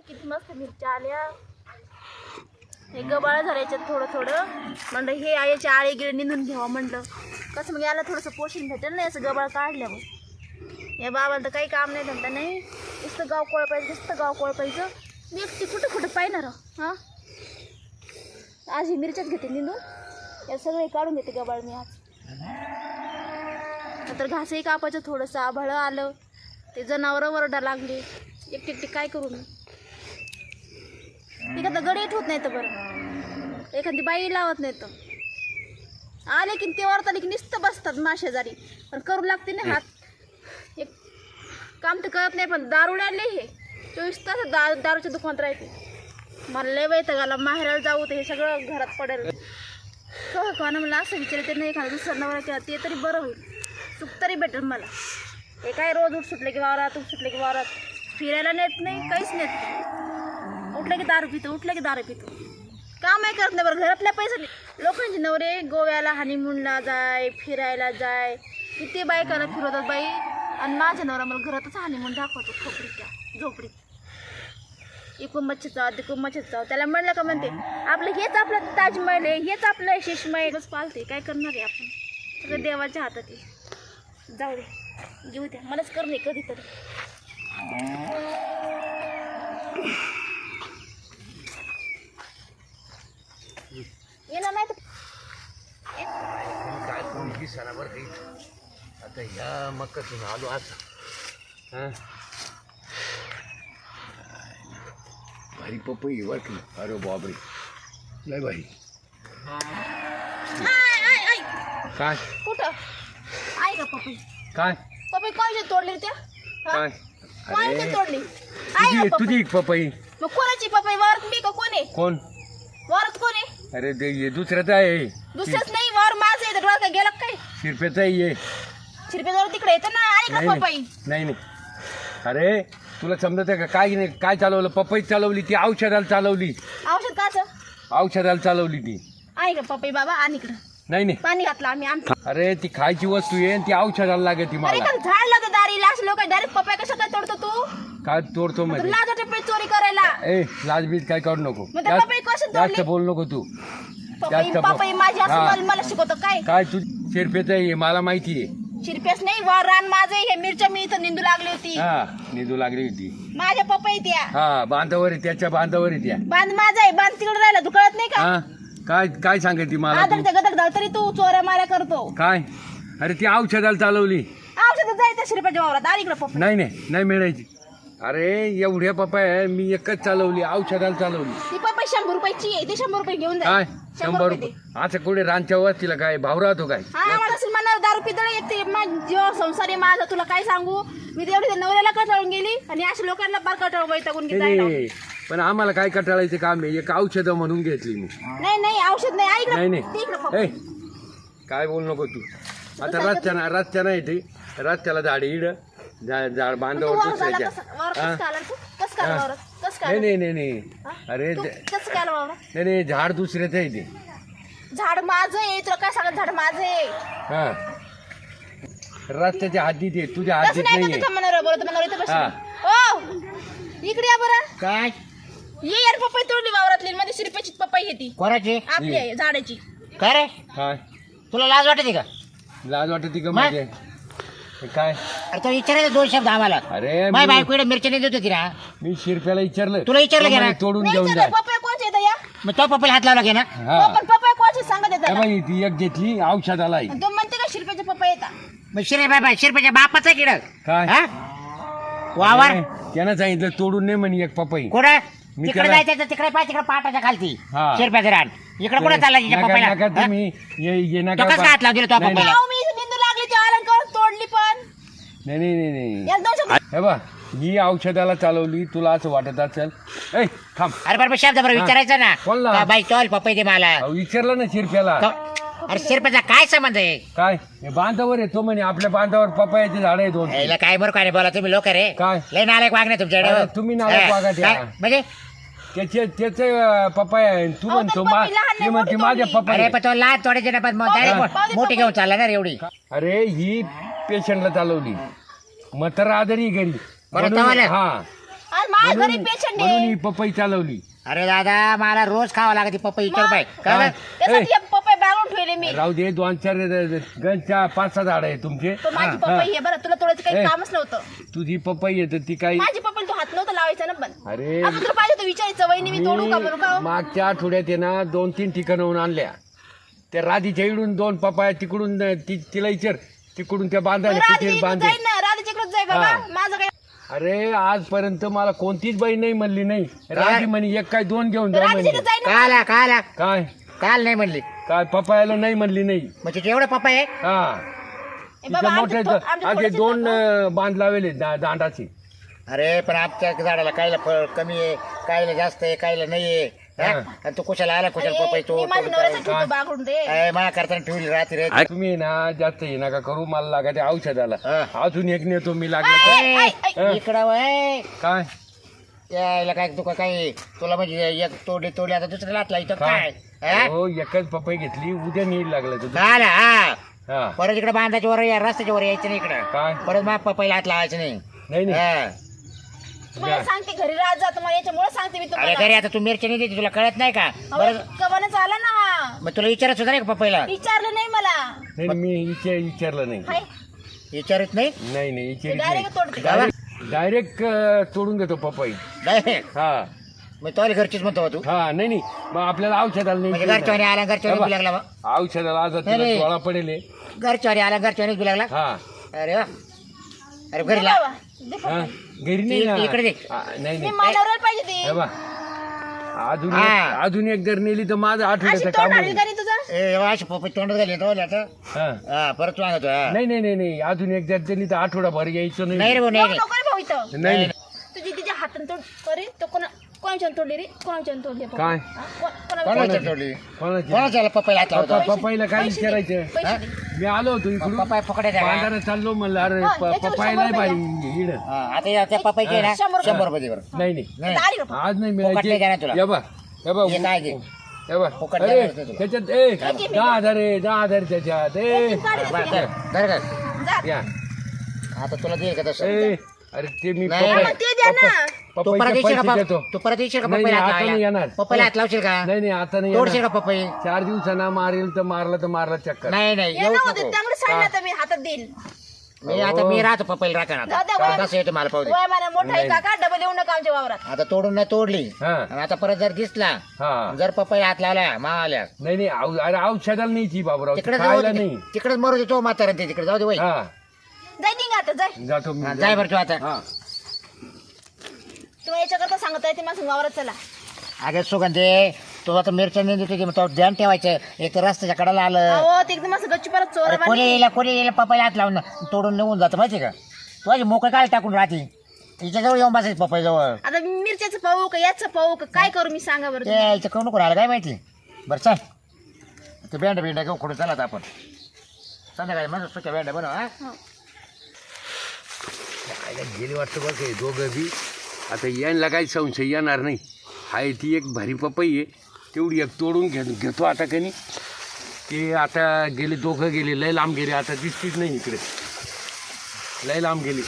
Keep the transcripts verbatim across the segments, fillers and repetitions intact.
किती मस्त मिरच्या आल्या. हे गबाळ झाल्याच्यात थोडं थोडं म्हणलं हे याचे आळे गिळे निंदून घ्यावं म्हणलं. कसं मग याला थोडंसं पोषण भेटेल ना याचं गबाळ काढल्यावर. या बाबाला तर काही काम नाही धंदा नाही, नुसतं गाव कोळपायचं नुसतं गाव कोळपायचं. मी एकटी कुठं कुठं पाहिणार हां. आज ही मिरच्याच घेते निंदून, या सगळे काढून घेते गबाळ मी आज. नंतर घासही कापायचं, थोडंसं आभाळं आलं, ते जनावरं वरडा लागले. एकटी एकटी काय करू मी. एखादा गडीत होत नाही तर बरं, एखादी बाई लावत नाही तर आले की ते वरत आले की नुसतं बसतात माशेजारी. पण करू लागते ना हात. एक काम तर करत नाही, पण दारू आणले हे चोवीस तास दा दारूच्या दुकानात राहते. मला लय वैताग आला, माहेराला जाऊ तर हे सगळं घरात पडेल. हो कोणा मला असं विचारते नाही, एखादा दुसरा नवरा केला ते तरी बरं होईल, सुख तरी भेटेल मला. हे काय रोज उठ सुटले की वावरात, उठ सुटले की वावरात, फिरायला नेत नाही, काहीच नेत नाही. उठलं की दारू पितो, उठलं की दारू पितो, काम आहे करत नाही बरं. घरातल्या पैसे लोकांचे नवरे गोव्याला हनीमूनला जाय, फिरायला जाय, किती बायकाला फिरवतात बाई. आणि माझ्या नवरा मला घरातच हनीमून दाखवतो, खोपडीच्या झोपडीत. इकून मच्छी जाव तिकून मच्छी जाव. त्याला म्हणलं का म्हणते आपलं हेच आपलं ताजमहल आहे, हेच आपलं शेषमहलच पालते. काय करणार आहे आपण, सगळं देवाच्या हातात आहे. जाऊ दे, घेऊ द्या, मलाच करणे कधीतरी. येणार नाही तर काय कोणती सणावर काही आता ह्या मक्कातून आलो असं. हां भारी पपई वाटली. अरे बापरे लय भारी. काय कुठं आहे का पपई? काय पपई कोणाची तोडली त्या? काय कोणाची तोडली? आहे तुझी का पपई? तुझी पपई मग कोणाची पपई? वारत मी का कोण आहे? कोण? वारत कोण आहे? अरे ते हे दुसऱ्याच आहे, दुसरंच नाही, वार माझं आहे. डोळा काय गेला का काय? शिरप्याचं आहे हे. शिरपेजवळ तिकडे येतं ना. आहे नाही का पपई? नाही नाही. अरे तुला समजत आहे का काय? नाही काय चालवलं? पपई चालवली ती, औषधाला चालवली, औषध काचं औषधाला चालवली ती. आहे का पपई बाबा? आणि इकडं नाही नाही. पाणी घातलं आम्ही आणतो. अरे ती खायची वस्तू आहे आणि ती औषधाला लागते अरे मला. का झाड लावतो दारीला, असं लोक डायरेक्ट पपई कशा काय तोडतो तू? काय तोडतो म्हणजे? लाज वाटते पपई चोरी करायला. ए लाजबीज काय करू नको, मग त्या पपई कशी जास्त तोडली? बोल नको तू. पपई पपई माझी असं हा. मला- मला शिकवतो काय? काय तू शिरपेच आहे मला माहिती आहे. शिरपेस नाही, वार रान माझं आहे. हे मिरच्या मी इथं निंदू लागली होती. हा निधू लागली होती. माझ्या पपई त्या हा बांधावर आहे, त्याच्या बांधावर आहे त्या. बांध माझा आहे, बांध तिकडे राहिला. तू कळत नाही का? हा काय काय सांगायची मला तू? आदरच्या गदर धाव तरी तू चोऱ्या माऱ्या करतो. काय? अरे ती औषधाला चालवली. औषध जायचं शिरपेच्या वावरात. आणि इकडे पपई नाही नाही नाही मिळायची. अरे एवढ्या पपाय मी एकच चालवली, औषधाला चालवली. ती पपई शंभर रुपयाची आहे, ते शंभर रुपये घेऊन काय जाय. शंभर रुपये? असं कुठे रानच्या वस्तीला काय भाव राहतो काय? हा मला असेल म्हणणार दारू पितळ येते. जीव संसार आहे माझा, तुला काय सांगू मी. तेवढी त्या नवऱ्याला कटाळून गेली आणि अशा लोकांना बार कटाळून वैतागून नाही, गेली. नाही पण आम्हाला काय कटाळायचं काम आहे? एक औषध म्हणून घेतली मी. नाही नाही औषध नाही. ऐक नाही ना, नाही ती इकडं ए पपई. काय बोल नको तू. आता रस्त्याना रस्त्याना येते, रस्त्याला झाड इड झाड झाड तू बांधावर वावरात आला दुसऱ्याच्या. कसं- वावरात हा? कसं काय आला तू? कसं काय आला हा. वावरात? कसं काय नाही आला? नाही नाही नाही. हा? अरे तू ते- कसं काय आला वावरात? नाही नाही झाड दुसऱ्याचं आहे ते. झाड माझं आहे, तुला काय सांगत? झाड माझं आहे. हा रस्त्याच्या हद्दीत आहे, तुझ्या तसं हद्दीत नाही नाहीये. का म्हणणार बोलत म्हणणार इथं हा. बस. ओ इकडे या बरं. काय ये यार पपई तोडली वावरातली. मध्ये शिरपेची पपई येते कोणाची? आपली आहे झाडाची. काय रे काय तुला लाज वाटते का? लाज वाटते का मग? माझे? काय? अरे तो विचारायचं दोन शब्द आम्हाला. अरे माय मी- बायको इकडे मिरची नाही देत होती ना. मी शिरप्याला विचारलं, तुला विचारलं तो का ना? म्हणे तोडून नाही घेऊन तर जाय. पपई कोणची येतं या? मग तो पप्पाला हात लावला घे ना. हा पण पपई कोणची सांगत ए येतात? बाई ती एक घेतली औषधाला आहे. तो म्हणते का शिरपेचे पपई येतात? मग शिरे बाय बाय शिरपेच्या बापाचा किड काय? हा वावर अरे, त्यानं सांगितलं तोडून नाही म्हणे एक पपई. कुठं मी तिकडे त्याला- जायचं तर तिकडे पाय तिकडे पाटाच्या खालती हा. शिरप्याचं रान. इकडे कुठं चालला तिच्या नका- पप्पाला? नका हा? तुम्ही ये ये नका तो कसं बा- हात लावून दिला तो नाही, पप्पाला? अहो, मी इथं निंदू लागली ती अलंकार तोडली पण. नाही नाही नाही नाही याला दोन शब्द हे बा ही औषधाला चालवली, तुला असं वाटत असेल. ए थांब. अरे बरोबर शब्द बरोबर विचारायचं ना. कोणला? का बाई चल पप्पा दे मला. अहो, विचारलं ना शिरप्याला. तो- अरे शिरप्याचा काय संबंध आहे? काय हे बांधावर आहे, तो म्हणे आपल्या बांधावर पपयाचे झाड आहे दोन. याला काय बरं काय नाही बोला तुम्ही लोक रे. काय? लय नालायक वागणे तुमच्याकडे. अरे, तुम्ही नालायक हा. वागा त्या. काय? म्हणजे त्याचे त्याचे पपया आहे, तू अहो, म्हणतो पण मा- पपई लहान ती नाही, म्हणते मोठी माझ्या तोडली. पपया अरे आहे. पण तो लहान थोड्याचे ना पण पाहू दे, direct पाहू दे मोठी पपई. घेऊन चालला ना रे एवढी. अरे ही पेशंटला चालवली, मग तर आदरी घरी बरं, म्हणून- तवाला? हा आज मा माझ्या घरी म्हणून पेशंट म्हणून आहे ही पपई चालवली. अरे दादा मला रोज खावं लागते पपई विचार बाय काय काय? त्यासाठी हे पपई बागून ठेवले मी. राहू दे दोन चार गणच्या पाच सहा झाड आहे तुमचे. पण माझी हा, पपई आहे बरं, तुला तोडायचं काही ए. कामच नव्हतं. तुझी पपई आहे तर ती काही माझी पपई तू हात नव्हतं लावायचं ना. पण अरे आता तुला पाहिजे तर विचारायचं वहिनी मी तोडू का बरू का? मी मागच्या आठवड्यात आहे ना दोन तीन ठिकाणाहून आणल्या. त्या राधीच्या इकडून दोन पपाया तिकडून ती तिला विचार तिकडून त्या बांधायला किती राधे बांधे. जाईल ना, राधेच्याकडे जाय बाबा. हा. माझं काय अरे आजपर्यंत मला कोणतीच बाई नाही म्हणली नाही. राधी म्हणे एक काय दोन घेऊन जा राधेच्याकडे म्हणजे. जाय ना. काय आला काय आला काय काल नाही म्हणली काय पपायाला नाही म्हणली नाही. म्हणजे एवढं पपई आहे हा ए तिच्या बाबा, मोठ्या आमच्या थो- आमच्या असे थोडंसं दोन नको. अं, बांध लावले दांडाची. अरे पण आमच्या झाडाला कायला फळ कमी आहे कायला जास्त आहे कायला नाही आहे हा? हा. आणि तू कुशाला आला कुशाला पपई अरे, तो मी माझ्या नवऱ्यासाठी ठेवतो बागडून दे. काय माझ्या करताना ठेवली रात्री रे तुम्ही ना जास्त हे नका करू मला लागायचे औषधाला. हा. अजून एक नेतो मी लागलं तर. ऐ, ऐ, ऐ. हा. इकडं वय काय यायला काय तुका काय तुला म्हणजे एक तोडली तोडली आता दुसऱ्या लाटला इथं काय हा? हो एकच पपई घेतली उद्या नीड लागलं तुझं. काय आला हा हा परत इकडे बांधाच्या वर या रस्त्याच्या वर यायचं नाही इकडं काय परत मग पपईला हात लावायचं नाही नाही नाही हा. तुम्हाला सांगते घरी राहत जा तुम्हाला, याच्यामुळे सांगते मी अरे तुम्हाला. घरी आता तू मिरची नाही देते तुला कळत नाही का बरं कवानच आला ना. मग तुला विचारत सुद्धा नाही का पपईला विचारलं नाही मला. नाही नाही, मी विचार विचारलं नाही. हाय विचारत नाही नाही नाही विचारित नाही. डायरेक्ट तोडते. डायरेक्ट डायरेक्ट तोडून घेतो पपई. डायरेक्ट हा मग तो घरचीच म्हणतो बा तू हा नाही नाही मग आपल्याला औषधाला म्हणजे नाही घरच्यावानी आला घरच्यावानी बी लागला बा. औषधाला आज नाही, नाही. डोळा पडेल हे. घरच्यावानी आला घरच्यावानी बी लागला हा अरे वा अरे घरी दे ला बाबा, दे हा पपई. घरी नाही ना. इकडे दे. हा, नाही मी नाही मानवराला पाहिजे ती. हे बा अजून हा. एक- अजून एक जर नेली तर माझं अशी आठवड्याचं तोंड काम आली होईल. का नाही तुझं? ए अशी पपई तोंडात घाली तो आता हा हा परत तू आणतो हा. नाही नाही नाही नाही अजून एक जर दिली तर आठवडाभर यायचं नाही नाही. रे भाऊ नाही नको नको रे भाऊ इथं. नाही नाही. तुझी तिच्या हाताने तोड करी तो कोणा कोणाच्या तोडली रे कोणाच्या तोडली पपई? काय? हा? को- कोणाला कोणाच्या तोडली? तोडली कोणाची कोणाच्या पपईला हात लावतो पप्पा- पप्पाईला काय पैसे दे, विचारायचं पैसे दे. मी आलो होतो इकडून पपई फुकड्या द्या बांधारा चाललो म्हणलं अरे हा, प- याच्यावर पप्पाई शंभर नाही रुपये बाई इड हा, आता या त्या पपईचे ना शंभर रुपये. शंभर रुपये दे बरं नाही नाही नाही आता आली का पपई? आज नाही फुकट नाही देणार मिळायचे तुला. हे बा हे बा हे काय घे हे बा फुकट अरे देणार नाही तुला. त्याच्यात ए किती दहा हजार आहे दहा हजार त्याच्यात ए एक गाडी बरं, देते. धर, धर, धर. जा. या आता तुला देईल का तसं ए अरे ते मी नाही, पपई- मग ते द्या ना. तू परत पपईचे येशील का पैसे देतो पप- तू परत येशील का नाही, पपईला नाही, हात आता नाही येणार. लावायला? पपईला हात लावशील का नाही नाही आता नाही तोडशील येणार. का पपई चार दिवसांना मारेल तर मारलं तर मारलं चक्कर नाही नाही ये येऊ ना नको होते त्यामुळे सांगितलं तर मी हातात देईल. मी आता मी राहतो पपईला राखा जाऊ द्या, आता वय- कसं येतो मला पाहू दे वय मला मोठा आहे काका डबल येऊ नका आमच्या वावरात. आता तोडून नाही तोडली हा आणि आता परत जर दिसला हा जर पपईला हात लावला मावाल्या नाही नाही औ- अरे औषधाला नाही ती बाबूराव तिकडे खायला नाही तिकडेच मरू दे तो म्हातारा ते तिकडे जाऊ दे वय हा जाय निघा आता जाय. जातो मी हा, जाय बरं तू आता हा तुम्हाला याच्याकरता सांगत आहे ते माझं वावरात चला. अगं सुगंधे तू आता मिरच्या नाही देतो तो ध्यान ठेवायचं एक तर रस्त्याच्या कडेला आलं अहो ते एकदम असं गच्ची परत चोर अरे कोणी येईल कोणी येईल पपईला हात लावून तोडून निघून जातं माहिती का तू अशी मोकळी काय टाकून राहते तिच्याजवळ येऊन बसायचं पपई जवळ आता मिरच्याचं पाहू का याचं पाहू का काय करू मी सांगा बरं तुम्ही? ते इथं कोण नको राहिलं काय माहिती बरं चल ते भेंड भेंड घेऊ खोडून चला आता आपण संध्याकाळी मग सुक्या भेंड बनव हा हो. खायला गेली वाटतं बघ हे दोघं बी आता यांना काही संशय येणार नाही हाय ती एक भारी पपई आहे तेवढी एक तोडून घे घेतो आता कनी ते आता गेले दोघं गेले लय लांब गेले आता दिसतीच नाही इकडे लय लांब गेली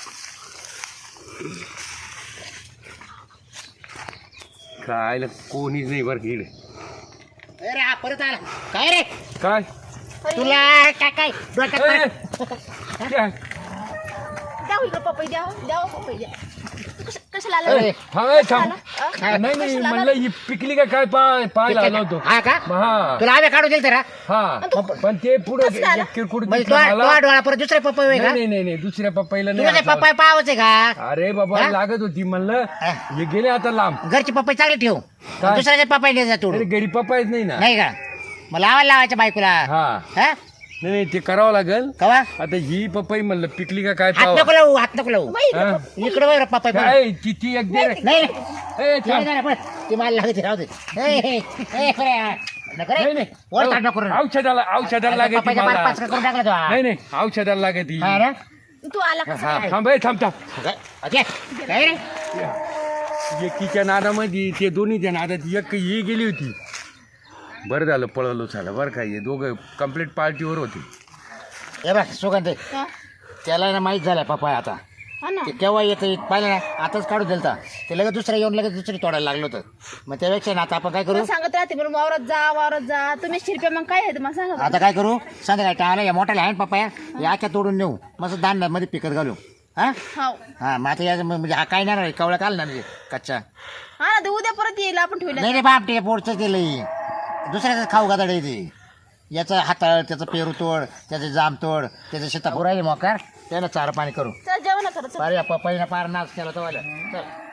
खायला कोणीच नाही बरं इकडे अरे हा परत आला काय रे काय अरे, तुला काय काय डोक्यात ए, पडलं? काय? द्या हो इकडं पपई द्या हो, द्या हो पपई द्या. कश- कशाला आलं? अरे, थांब ए, थांब कशाला? नाही नाही कशाला म्हणलं ही पिकली का काय पाय पाहायला आलो होतो हा का हा तुला आम्ही काढून दिल तर हा? हा पण ते पुढे कसं झालं? किरकोळ म्हणजे दिसलं तो मला. तो डोळा परत दुसरे पपई होय का नाही नाही नाही दुसऱ्या पप्पाईला तुला नाही ते हात पपई पाहावंच आहे का लावला. अरे बाबा हा? लागत होती म्हणलं हा. हे गेले आता लांब घरची पपई चांगली ठेव काय? दुसऱ्याचे पपई नाही जा अरे तोडून घरी पप्पायच नाही ना नाही का मग लावायला लावायच्या बायकोला हा हा नाही नाही ते करावं लागेल कवा आता ही पपई म्हणलं पिकली का काय हात पावा नको लावू हात नको लावू बाई, इकडं हा? पपई. इकडे बघ पपई बघ. काय ती ती एक दे रे. नाही ए, नाही थांब. नाही, नाही, ती मला लागते राहू दे ए, ए, ए, खरे, हा. नको रे. नाही नाही वर ताट नको रे. औषधाला औषधाला लागत पपईचा पाच पाच करून टाकला तो हा. नाही नाही औषधाला लागत हा ना? तू आला का हा थांब ए, थांब थांब ओके. काय रे एकीच्या नादामध्ये ते दोन्हीच्या नादात एक ही गेली होती बरं झालं पळवलो झालं बरं काय हे दोघं कम्प्लीट पार्टीवर होते हे बघ सुगंध हा? त्याला ना माहीत झालं पपई आता हा ना ते केव्हा येतं पाहिलं ना आताच काढून दिलता ते लगेच दुसऱ्या येऊन लगेच दुसरी तोडायला लागलं होतं मग त्यापेक्षा ना आता आपण काय करू तुला सांगत राहते म्हणून वावरात जा वावरात जा तुम्ही शिरप्या मग काय आहे तुम्हाला सांगा बरं. आता काय करू संध्याकाळी टाळायला या मोठ्याला आहे ना पप्पा या आख्या तोडून नेऊ मस्त दांड मध्ये पिकत घालू हा हाव हा मग आता या म्हणजे हा काय नाही कवळा काल ना म्हणजे कच्चा हा ना ते उद्या परत येईल आपण ठेवलं नाही रे बाप ते पोटचं केलं दुसऱ्याचं खाऊ गादाड येते याचं हाताळ त्याचं पेरू तोड त्याचं जाम तोड त्याचं शेतापूर राहिले मोकार त्याला चारा पाणी करू चल जेवण करा चल. पार या पप्पाईनं पार नाच केला तो चल